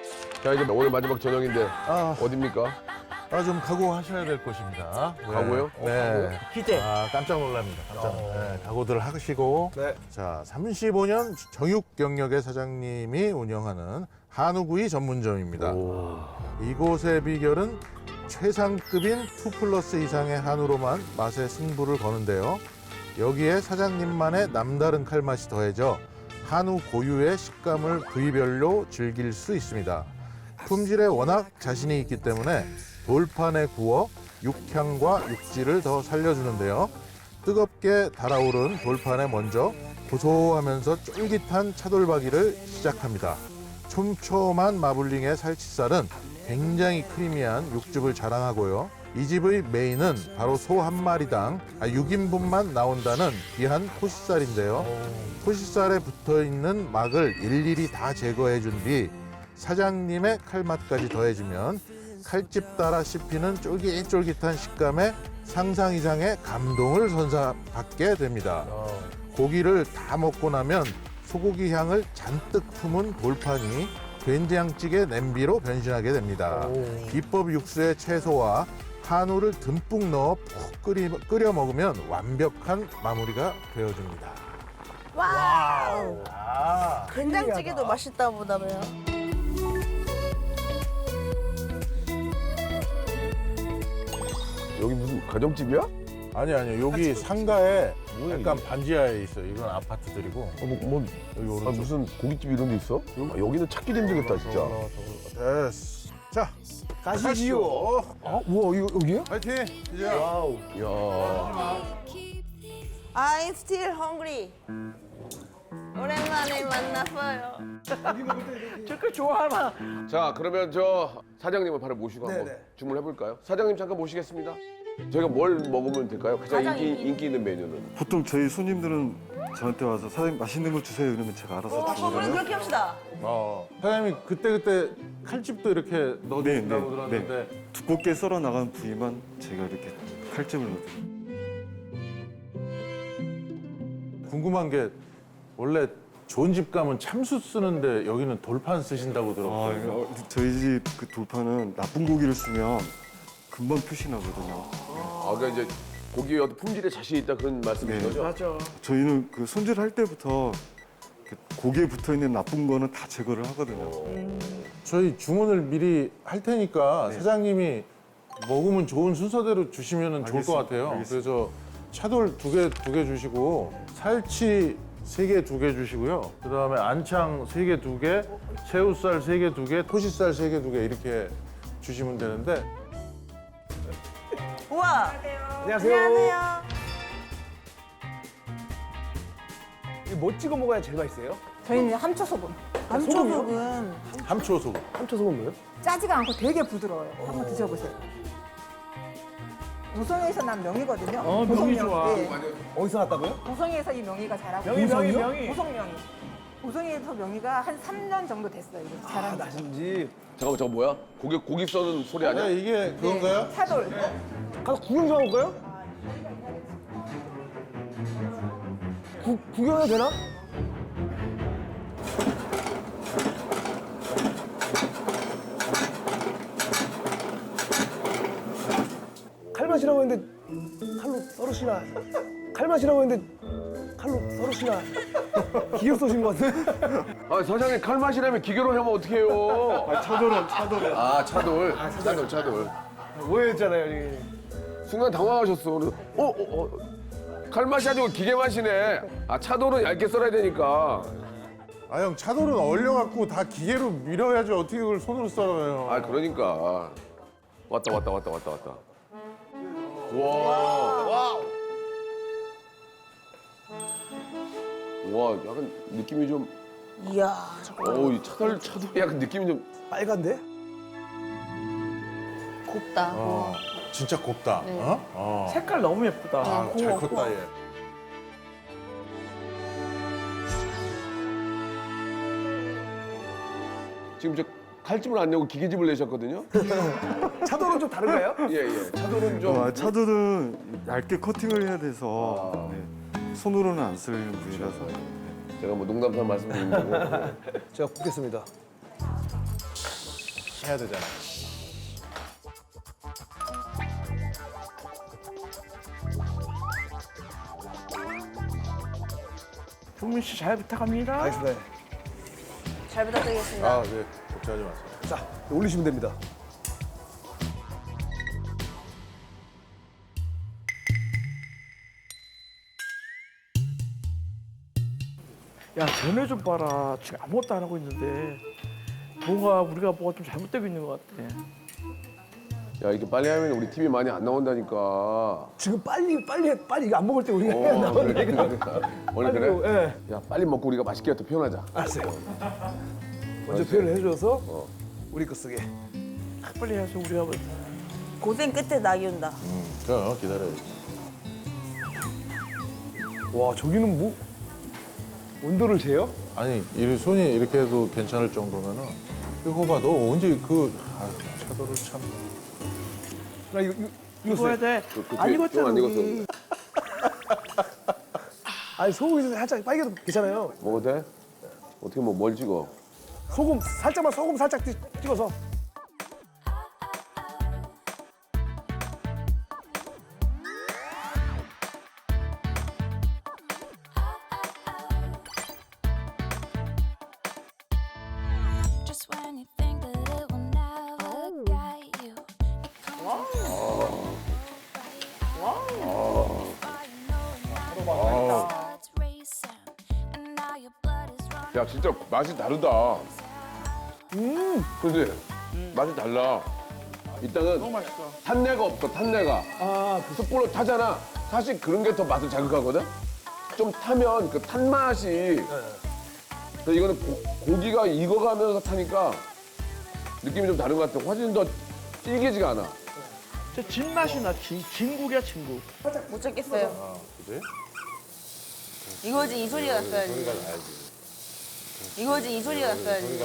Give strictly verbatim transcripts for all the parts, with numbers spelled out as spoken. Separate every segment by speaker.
Speaker 1: 자, 이제 오늘 마지막 저녁인데
Speaker 2: 아,
Speaker 1: 어딥니까?
Speaker 2: 아, 좀 각오하셔야 될 곳입니다. 네.
Speaker 1: 각오요?
Speaker 2: 네.
Speaker 3: 기대.
Speaker 2: 아, 깜짝 놀랍니다. 깜짝. 네, 각오들 하시고.
Speaker 3: 네.
Speaker 2: 자, 삼십오 년 정육 경력의 사장님이 운영하는 한우구이 전문점입니다.
Speaker 1: 오.
Speaker 2: 이곳의 비결은 최상급인 투 플러스 이상의 한우로만 맛의 승부를 거는데요. 여기에 사장님만의 남다른 칼맛이 더해져 한우 고유의 식감을 부위별로 즐길 수 있습니다. 품질에 워낙 자신이 있기 때문에 돌판에 구워 육향과 육질을 더 살려주는데요. 뜨겁게 달아오른 돌판에 먼저 고소하면서 쫄깃한 차돌박이를 시작합니다. 촘촘한 마블링의 살치살은 굉장히 크리미한 육즙을 자랑하고요. 이 집의 메인은 바로 소 한 마리당 육 인분만 나온다는 귀한 토시살인데요. 토시살에 붙어있는 막을 일일이 다 제거해 준 뒤 사장님의 칼맛까지 더해지면 칼집 따라 씹히는 쫄깃쫄깃한 식감에 상상 이상의 감동을 선사받게 됩니다. 고기를 다 먹고 나면 소고기 향을 잔뜩 품은 돌판이 된장찌개 냄비로 변신하게 됩니다. 비법 육수에 채소와 한우를 듬뿍 넣어 푹 끓이, 끓여 먹으면 완벽한 마무리가 되어줍니다.
Speaker 4: 와우.
Speaker 3: 아,
Speaker 4: 된장찌개도 맛있다 보다며요.
Speaker 1: 여기 무슨 가정집이야?
Speaker 2: 아니 아니요 여기 상가에 약간 반지하에 있어요. 이건 아파트들이고
Speaker 1: 어, 뭐, 뭐
Speaker 2: 여기
Speaker 1: 아,
Speaker 2: 오른쪽.
Speaker 1: 무슨 고깃집 이런 데 있어? 아, 여기는 찾기도 힘들겠다 진짜.
Speaker 2: 됐어. 자
Speaker 3: 가시지요. 아, 우와, 이거 여기요?
Speaker 2: 파이팅. 이제
Speaker 3: 와우.
Speaker 1: 야.
Speaker 4: I'm still hungry. 오랜만에 만났어요.
Speaker 3: 저걸 좋아하나?
Speaker 1: 자, 그러면 저 사장님을 바로 모시고 한번
Speaker 3: 네네.
Speaker 1: 주문해 볼까요? 사장님 잠깐 모시겠습니다. 저희가 뭘 먹으면 될까요? 가장
Speaker 4: 가장
Speaker 1: 인기,
Speaker 4: 인기
Speaker 1: 인기 있는 메뉴는?
Speaker 5: 보통 저희 손님들은 저한테 와서 사장님 맛있는 걸 주세요 이러면 제가 알아서
Speaker 4: 어, 우리
Speaker 5: 주거든요.
Speaker 4: 그렇게 합시다.
Speaker 2: 어, 사장님이 그때그때 칼집도 이렇게
Speaker 5: 네,
Speaker 2: 넣어주신다고
Speaker 5: 네,
Speaker 2: 들었는데
Speaker 5: 네. 두껍게 썰어 나간 부위만 제가 이렇게 칼집을 넣어요.
Speaker 2: 궁금한 게 원래 좋은 집 가면 참수 쓰는데 여기는 돌판 쓰신다고
Speaker 5: 아,
Speaker 2: 들었거든요.
Speaker 5: 이거 저희 집 그 돌판은 나쁜 고기를 쓰면 금방 표시 나거든요.
Speaker 1: 아, 그러니까 이제 고기의 어떤 품질에 자신 있다 그런 말씀이신
Speaker 5: 네.
Speaker 1: 거죠?
Speaker 3: 맞아.
Speaker 5: 저희는 그 손질할 때부터 그 고기에 붙어 있는 나쁜 거는 다 제거를 하거든요.
Speaker 2: 저희 주문을 미리 할 테니까 사장님이 먹으면 좋은 순서대로 주시면 좋을 것
Speaker 5: 알겠습니다.
Speaker 2: 같아요.
Speaker 5: 알겠습니다.
Speaker 2: 그래서 차돌 두 개 두 개 주시고 살치 세 개 두 개 주시고요. 그다음에 안창 세 개 두 개, 새우살 세 개 두 개, 토시살 세 개 두 개 이렇게 주시면 되는데
Speaker 4: 우와.
Speaker 3: 안녕하세요.
Speaker 4: 안녕하세요.
Speaker 3: 이거 뭐 찍어 먹어야 제일 맛있어요?
Speaker 6: 저희는 함초소금.
Speaker 4: 감초소금.
Speaker 2: 함초 소금.
Speaker 3: 함초 소금 뭐예요?
Speaker 6: 짜지가 않고 되게 부드러워요. 한번 드셔보세요. 우성에서 난 명이거든요.
Speaker 3: 어, 명이 좋아.
Speaker 6: 네.
Speaker 3: 어디서 났다고요?
Speaker 6: 우성에서 이 명이가 자라고
Speaker 3: 명이,
Speaker 6: 있어요.
Speaker 3: 명이, 명이.
Speaker 6: 우성 명이. 우성에서 명이가 한 삼 년 정도 됐어요. 이거
Speaker 3: 아,
Speaker 6: 자란 지.
Speaker 3: 나신지.
Speaker 1: 잠깐만, 저거 뭐야? 고기 고기 써는 소리 아니야?
Speaker 2: 네, 이게 그건가요?
Speaker 6: 차돌.
Speaker 3: 가서 구경 좀 해볼까요? 구, 구경해도 되나? 칼맛이라고 했는데 칼로 썰으시나? 칼맛이라고 했는데 칼로 썰으시나? 기계 쏘신 것 같은데?
Speaker 1: 아, 사장님 칼맛이라면 기계로 하면 어떡해요?
Speaker 5: 아, 차돌은 차돌은.
Speaker 1: 아, 차돌. 차돌, 차돌.
Speaker 3: 오해했잖아요, 여기.
Speaker 1: 순간 당황하셨어. 그래서 어, 어, 어. 칼맛이 아니고 기계 맛이네. 아, 차돌은 얇게 썰어야 되니까.
Speaker 2: 아 형 차돌은 얼려갖고 다 기계로 밀어야지 어떻게 그걸 손으로 썰어요.
Speaker 1: 아, 그러니까. 왔다, 왔다, 왔다, 왔다, 왔다. 와. 와. 와, 약간 느낌이 좀.
Speaker 4: 이야. 잠깐만.
Speaker 1: 어우, 이 차돌, 차돌 약간 느낌이 좀.
Speaker 3: 빨간데?
Speaker 4: 곱다.
Speaker 2: 어, 진짜 곱다.
Speaker 4: 네.
Speaker 2: 어? 어.
Speaker 3: 색깔 너무 예쁘다.
Speaker 2: 아, 잘
Speaker 4: 고마워,
Speaker 2: 컸다 얘.
Speaker 1: 지금 저 칼집을 안 내고 기계집을 내셨거든요?
Speaker 3: 차돌은 좀 다른가요?
Speaker 1: 예, 예. 차돌은 좀.
Speaker 5: 아, 차돌은 얇게 커팅을 해야 돼서 네. 손으로는 안 쓸리는 부위라서.
Speaker 1: 제가 뭐 농담삼아 말씀드린 거고.
Speaker 3: 제가 굽겠습니다.
Speaker 2: 해야 되잖아.
Speaker 3: 종민 씨 잘 부탁합니다. 알겠습니다.
Speaker 4: 잘 부탁드리겠습니다.
Speaker 2: 아, 네. 걱정하지 마세요.
Speaker 3: 자, 올리시면 됩니다.
Speaker 7: 야, 쟤네 좀 봐라. 지금 아무것도 안 하고 있는데 뭔가 우리가 뭐가 좀 잘못되고 있는 것 같아.
Speaker 1: 야 이렇게 빨리 하면 우리 팀이 많이 안 나온다니까.
Speaker 3: 지금 빨리 빨리 해, 빨리 이거 안 먹을 때 우리가
Speaker 1: 어,
Speaker 3: 해야 나오는
Speaker 1: 그래,
Speaker 3: 얘기가.
Speaker 1: 그래. 오늘
Speaker 3: 빨리
Speaker 1: 그래?
Speaker 3: 뭐, 예.
Speaker 1: 야 빨리 먹고 우리가 맛있게 또 표현하자.
Speaker 3: 알았어요. 먼저 표현을 해줘서 우리 거 쓰게.
Speaker 7: 빨리 해서 우리가 뭐
Speaker 4: 고생 끝에 낙이 온다.
Speaker 2: 그럼 기다려야지.
Speaker 3: 와, 저기는 뭐 온도를 재요?
Speaker 2: 아니, 이 손이 이렇게 해도 괜찮을 정도면은 이거 봐, 너 언제 그 아유, 차도를 참.
Speaker 3: 나 이거 이거 이거
Speaker 7: 이거 해야
Speaker 3: 써요.
Speaker 7: 돼.
Speaker 1: 그, 그
Speaker 7: 안
Speaker 1: 뒤에
Speaker 7: 익었잖아.
Speaker 1: 좀안 익었어.
Speaker 7: 우리.
Speaker 3: 아니 소금이 살짝 빨개도 괜찮아요.
Speaker 1: 먹어도 돼? 어떻게 뭐 뭘 찍어?
Speaker 3: 소금 살짝만 소금 살짝 찍- 찍어서.
Speaker 8: Just when you think that it will never get you, it comes heart's racing, and now your blood is running.
Speaker 1: 야 진짜 맛이 다르다. 음, 그지? 맛이 달라. 일단은
Speaker 7: 너무 맛있어.
Speaker 1: 탄내가 없어. 탄내가.
Speaker 3: 아,
Speaker 1: 그 숯불로 타잖아. 사실 그런 게 더 맛을 자극하거든. 좀 타면 그 탄 맛이. 근데 이거는 고, 고기가 익어가면서 타니까 느낌이 좀 다른 것 같아. 훨씬 더 질기지가 않아.
Speaker 7: 저 진맛이 나. 진, 진국이야, 진국.
Speaker 4: 못 찾겠어요.
Speaker 2: 아, 그지?
Speaker 4: 이거지 이 소리가 났어야지. 이거지 이 소리가 났어야지.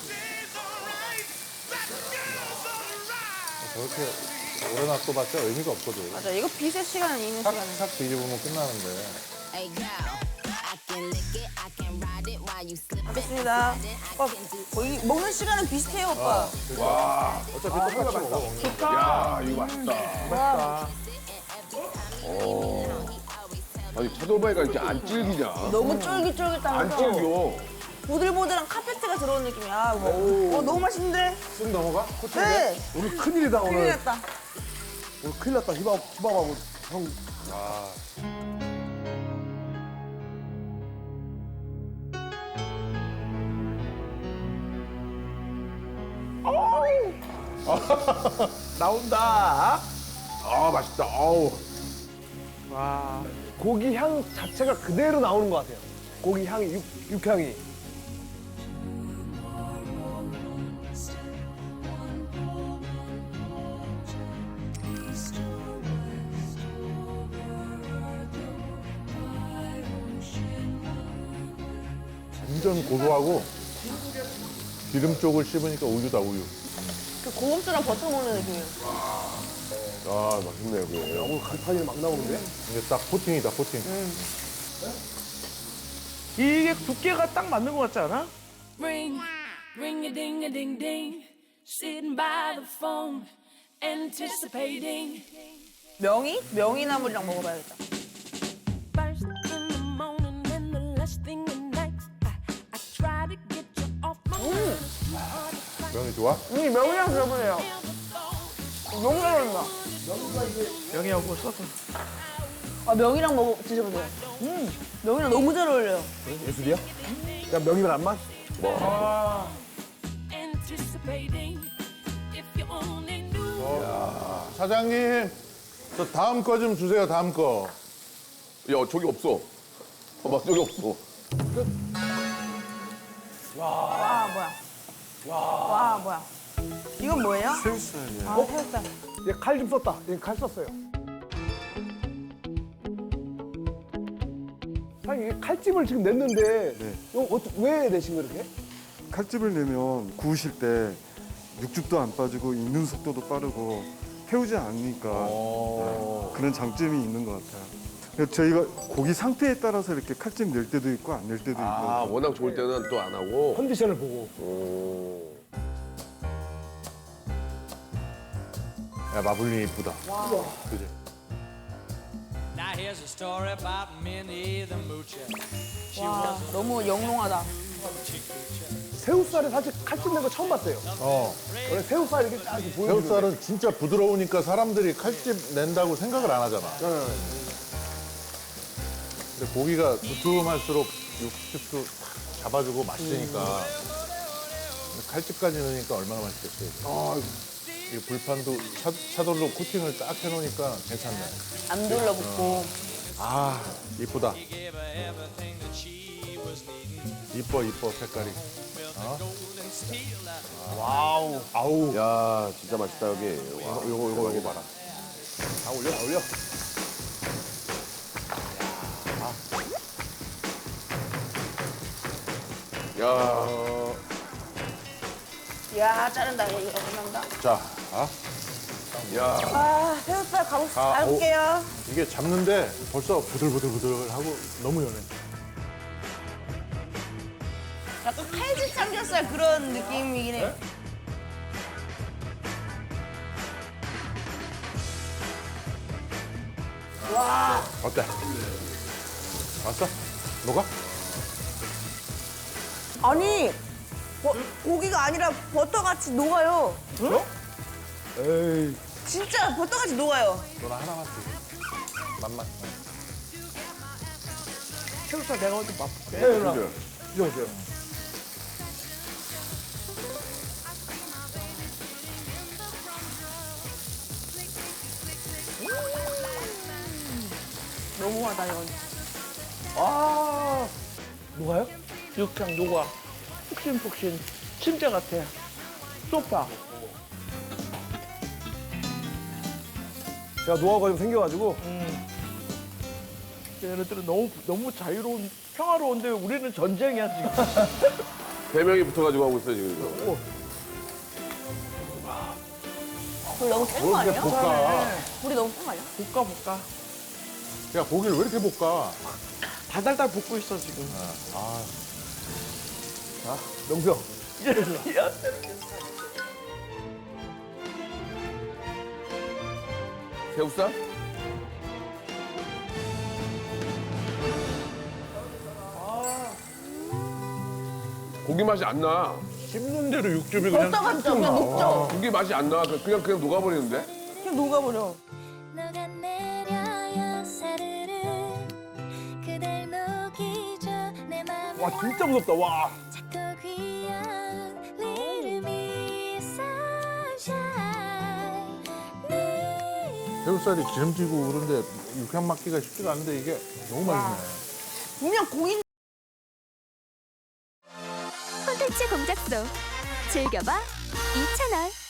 Speaker 2: 저렇게 오래 놔둬봤자 의미가 없거든.
Speaker 4: 맞아, 이거 비세 시간은 있는
Speaker 2: 싹,
Speaker 4: 시간은.
Speaker 2: 싹 뒤집으면 끝나는데.
Speaker 8: Hey girl, I can lick it, I can ride it while you slip it.
Speaker 4: 알겠습니다. 오빠, 거의 먹는 시간은 비슷해요, 오빠.
Speaker 2: 어차피 똑같이 먹어.
Speaker 1: 야 이거 맛있다. 오. 아니 차돌바위가 이렇게 안 질기냐?
Speaker 4: 너무
Speaker 1: 안
Speaker 4: 쫄깃쫄깃하면서
Speaker 1: 질겨.
Speaker 4: 보들보들한 카페트가 들어오는 느낌이야. 어, 너무 맛있는데?
Speaker 3: 쓱 넘어가?
Speaker 4: 네.
Speaker 3: 오늘 큰일이다
Speaker 4: 큰일
Speaker 3: 오늘.
Speaker 4: 났다.
Speaker 3: 오늘 큰일 났다. 희밥 희밥하고 형.
Speaker 7: 나온다.
Speaker 1: 아 맛있다. 아우.
Speaker 7: 와.
Speaker 3: 고기 향 자체가 그대로 나오는 것 같아요. 고기 향이 육, 육향이.
Speaker 2: 완전 고소하고 기름 쪽을 씹으니까 우유다, 우유.
Speaker 4: 그 고급스러운 버터 먹는 느낌이야.
Speaker 1: 아 맛있네 여기.
Speaker 3: 오늘 간판이 막 나오는데?
Speaker 2: 이게 딱 코팅이다, 코팅.
Speaker 7: 이게 두께가 딱 맞는 것 같지 않아?
Speaker 8: Ring, ring a ding a ding ding, sitting by the phone, anticipating.
Speaker 4: 명이? 명이나물이랑 먹어봐야겠다.
Speaker 8: First in the morning and the last thing at night, I, I try to get you off my mind.
Speaker 2: 면이 좋아?
Speaker 4: 이 명이랑 들어보세요. 너무 잘 어울린다.
Speaker 7: 명이하고 써서.
Speaker 4: 아, 명이랑 먹어 드셔보세요. 음, 명이랑 너무 잘 어울려요.
Speaker 3: 예술이야? 야 명이면 안 맛?
Speaker 8: Anticipating, if you only knew.
Speaker 2: 사장님, 저 다음 거 좀 주세요, 다음 거.
Speaker 1: 야 저기 없어. 봐봐 저기 없어.
Speaker 4: 와, 뭐야. 와, 뭐야. 이건 뭐예요?
Speaker 5: 새우살이야.
Speaker 4: 아, 새우살.
Speaker 3: 얘 칼 좀 썼다. 얘 칼 썼어요. 사장님 이게 칼집을 지금 냈는데
Speaker 5: 네.
Speaker 3: 이거 어떠, 왜 내신 거 이렇게?
Speaker 5: 칼집을 내면 구우실 때 육즙도 안 빠지고 익는 속도도 빠르고 태우지 않으니까 네, 그런 장점이 있는 것 같아요. 그래서 저희가 고기 상태에 따라서 이렇게 칼집 낼 때도 있고 안 낼 때도 있고.
Speaker 1: 아 워낙 좋을 때는 또 안 하고.
Speaker 3: 컨디션을 보고.
Speaker 1: 오.
Speaker 2: 야, 마블링 이쁘다. 그지?
Speaker 9: Now here's a story about Minnie the Moocher. She
Speaker 4: 와,
Speaker 9: was
Speaker 4: 너무 영롱하다.
Speaker 3: 새우살에 사실 칼집 낸 거 처음 봤어요.
Speaker 2: 어.
Speaker 3: 원래 새우살 이렇게 딱 이렇게 보여주는데.
Speaker 2: 새우살은 진짜 부드러우니까 사람들이 칼집 낸다고 생각을 안 하잖아.
Speaker 3: 네.
Speaker 2: 근데 고기가 두툼할수록 육즙도 탁 잡아주고 맛있으니까. 근데 칼집까지 넣으니까 얼마나 맛있겠어요.
Speaker 3: 아,
Speaker 2: 이 불판도 차, 차돌로 코팅을 딱 해놓으니까 괜찮네.
Speaker 4: 안 둘러붙고.
Speaker 2: 아, 이쁘다.
Speaker 9: gave her everything that she was needing.
Speaker 2: 이뻐, 이뻐, 색깔이. 어?
Speaker 9: Golden steel that
Speaker 3: 와우.
Speaker 2: 아우.
Speaker 1: 야, 진짜 맛있다, 여기. 와,
Speaker 2: 요거, 요거, 요거 봐라.
Speaker 3: 다 올려, 다 올려.
Speaker 1: 야,
Speaker 4: 야, 자른다. 이거 끝난다.
Speaker 2: 자, 아,
Speaker 1: 야.
Speaker 4: 아, 새우살 가볼,
Speaker 2: 아,
Speaker 4: 가볼게요.
Speaker 2: 이게 잡는데 벌써 부들부들부들하고 너무 연해.
Speaker 4: 약간 칼집 삼겹살 그런 느낌이긴 해.
Speaker 2: 어때? 왔어? 녹아?
Speaker 4: 아니, 버- 고기가 아니라 버터같이 녹아요.
Speaker 3: 에이.
Speaker 4: 진짜 버터같이 녹아요.
Speaker 2: 너나 하나만 주고. 맛만.
Speaker 7: 새우살 내가 먼저 맛볼게.
Speaker 3: 네, 누나.
Speaker 1: 그죠?
Speaker 3: 드셔보세요.
Speaker 4: 너무하다, 이건.
Speaker 3: 아, 뭐가요?
Speaker 7: 육향 녹아. 푹신푹신. 침대 같아. 소파.
Speaker 3: 제가 노하우가 좀 생겨가지고.
Speaker 7: 얘네들은 너무 너무 자유로운 평화로운데 우리는 전쟁이야 지금.
Speaker 1: 대명이 붙어가지고 하고 있어요, 지금. 이거.
Speaker 4: 불 너무 센 거 아니에요?
Speaker 2: 볶아.
Speaker 4: 불이 너무 센 거 아니야?
Speaker 7: 볶아 볶아.
Speaker 2: 야, 고기를 왜 이렇게 볶아?
Speaker 7: 달달달 볶고 있어 지금.
Speaker 3: 명수.
Speaker 1: 새우살? 고기 맛이 안 나.
Speaker 2: 씹는 대로 육즙이 그냥
Speaker 4: 버터같죠? 그냥 녹죠?
Speaker 1: 고기 맛이 안 나. 그냥 그냥 녹아버리는데.
Speaker 4: 그냥 녹아버려.
Speaker 8: 녹아내려요 사르르 그댈 녹이죠 내 맘을
Speaker 3: 와, 진짜 무섭다, 와.
Speaker 8: 작고 귀여운 little miss sunshine 네
Speaker 2: 새우살이 기름지고 그런데 육향 맡기가 쉽지가 않은데 이게 너무 맛있네.
Speaker 4: 분명 고기
Speaker 8: 콘텐츠 공작소 즐겨봐 이 채널